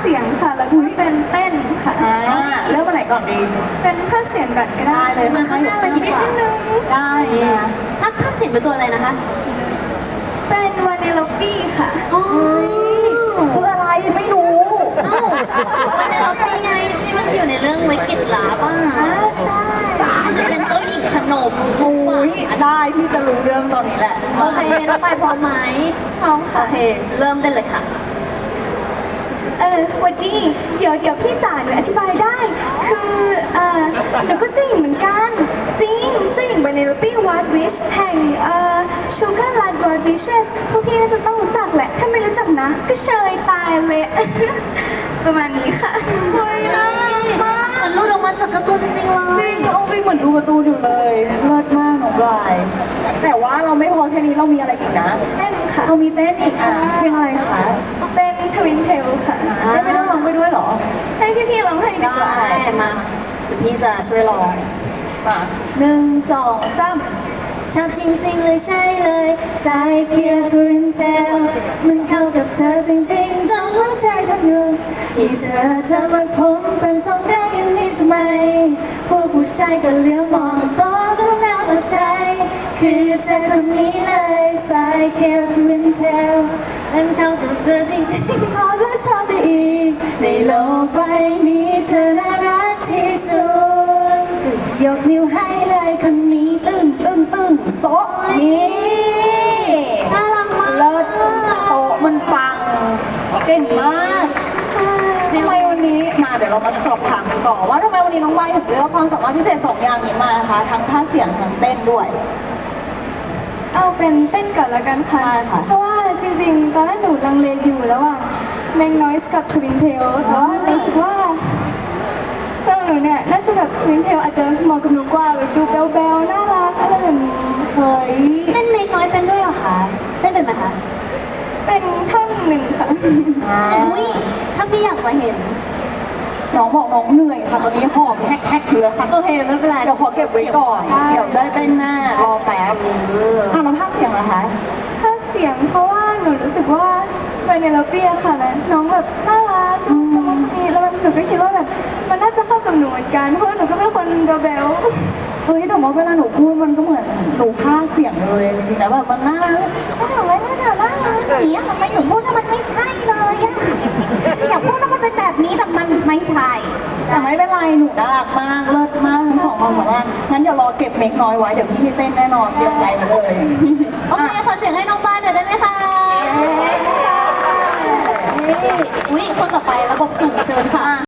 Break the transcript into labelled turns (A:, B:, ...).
A: เสียงค่ะแล้วก็เป็นเต้นค่ะ
B: เริ่มมาไหนก่อนดี
A: เป็นภาคเสียงก่อนก็ได้
B: ได้เลย
C: มาข้างหน้าเลยดีกว่า
A: นิดนึง
B: ได้นะ
C: ภาคเสียงเป็นตัวอะไรนะคะ
A: เป็นวานิลลปี้ค่ะ
C: อ๋อ
B: คืออะไรไม่รู้
C: เอ้าวันในล็อบบี้ไงที่มันอยู่ในเรื่องวิกฤตลาป่ะ
A: ใช่
C: เป็นเจ้าหญิงขนม
B: โอ้ยได้พี่จะรู้เรื่องตอนนี้แหละ
C: โอเคน้องไปพร้อมไหม
A: พร้อม
C: โอ
A: ค่ะ
C: เค เริ่มได้เลยค่ะ
A: วันดีเดี๋ยวพี่จ๋าหนูอธิบายได้ คือหนูก็เจ้าหญิงเหมือนกัน จริงเจ้าหญิงวานิลลปี้วาร์ดวิชแห่งชูการ์ลัดวาร์ดวิชสพวกพี่น่าจะต้องรู้จักแหละ ถ้าไม่รู้จักนะ ก็เชยตายเลย ประมาณนี้ค่ะ
B: เฮ้ยน่ารักมาก
C: มันรูดออกมาจากการ์ตูนจริงๆเล
B: จริ
C: ย
B: งเอาจริงเหมือนดูการ์ตูนอยู่เลยเลิศมากน้องบรายแต่ว่าเราไม่พอแค่นี้เรามีอะไรอีกนะ
A: เต้นค่ะ
B: เรามีเต้นอีกเพลงอะไรคะ
A: เป็นทวินเทลค่ะ
B: ได้ไม่ต้องร้องไปด้วยเหรอ
A: ให้พี่ๆร้องให้ดีกว่า
C: ได้มาเดี๋ยวพี่จะช่วยร้อง
B: มาหนึ่งสองสาม
C: ชอบจริงๆเลยใช่เลยสายเขียวทวินเทลมันเข้ากับเธอจริงๆจนหัวใจทำอยู่ที่เธอทำให้ผมเป็นสองด้านอย่างนี้ทำไมผู้ชายก็เลี้ยวมองโตรู้แล้วว่าใจ คือเธอคนนี้เลยสายเขียวทวินเทลมันเข้ากับเธอจริงๆชอบและชอบได้อีกในโลกใบนี้เธอน่ารักที่สุดยกนิ้วให้เลยคนนี้
B: ตึ้งโซะนี่
C: น่ารักมาก
B: เลิศโตะมันปังเก่งมากทำไมวันนี้มาเดี๋ยวเรามาสอบถามกันต่อว่าทำไมวันนี้น้องวายถึงเลือกความสามารถพิเศษสองอย่างนี้มาคะทั้งภาคเสียงทั้งเต้นด้วย
A: เอาเป็นเต้นก่อนแล้วกันค่ะ
B: ได้ค่ะ
A: เพราะว่าจริงๆ ตอนแรกหนูลังเลอยู่ระหว่างแมงนอยส์กับทวินเทลแต่ว่ารู้สึกว่าสำหรับหนูเนี่ยน่าจะแบบทวินเทลอาจจะเหมาะกับหนูกว่าแบบดูเบลๆน่ารักอะไรแบบนี้
B: เฮ้ย
C: เต้นเล็กน้อยเป็นด้วยเหรอคะเต้นเป็นไหมคะ
A: เป็นท่อนหนึ่งค่ะ
C: อุ้ยถ้าพี่อยากจะเห็น
B: น้องบอกน้องเหนื่อยค่ะตอนนี้หอบแฮกอยู่เลยค่ะ
C: โอเคไม่เป็นไร
B: เดี๋ยวขอเก็บไว้ก่อน เดี๋ยวได้เต้นหน้ารอแป๊บแล้วภาคเสียงเหรอคะ
A: ภาคเสียงเพราะว่าหนูรู้สึกว่าเวเนลเปียค่ะแล้วน้องแบบน่ารักดูตะมุตะมีแล้วหนูก็คิดว่าแบบมันน่าจะเข้ากับหนูเหมือนกันเพราะว่าหนูก็เป็นคนเบล
B: เฮ้ยแต่ว่าเวลาหนูพูดมันก็เหมือนหนูพากย์เสียงเลยจริงๆแล้วแบบมันน่ารัก
D: ก็ถามว่าน่ารักอย่างเงี้ยทำไมหนูพูดแล้วมันไม่ใช่เลยอะอยากพูดแล้วมันเป็นแบบนี้แต่มันไม่ใช่
B: แต่ไม่เป็นไรหนูน่ารักมากเลิศมากทั้งสองความสามารถงั้นเดี๋ยวรอเก็บเมคน้อยไว้เดี๋ยวพี่ให้เต้นแน่นอนเตรียมใจไว้เลย
C: โอเคขอเสียงให้น้องบ้านหน่อยได้ไหมคะอุ้ยคนต่อไประบบสุ่มเชิญค่ะ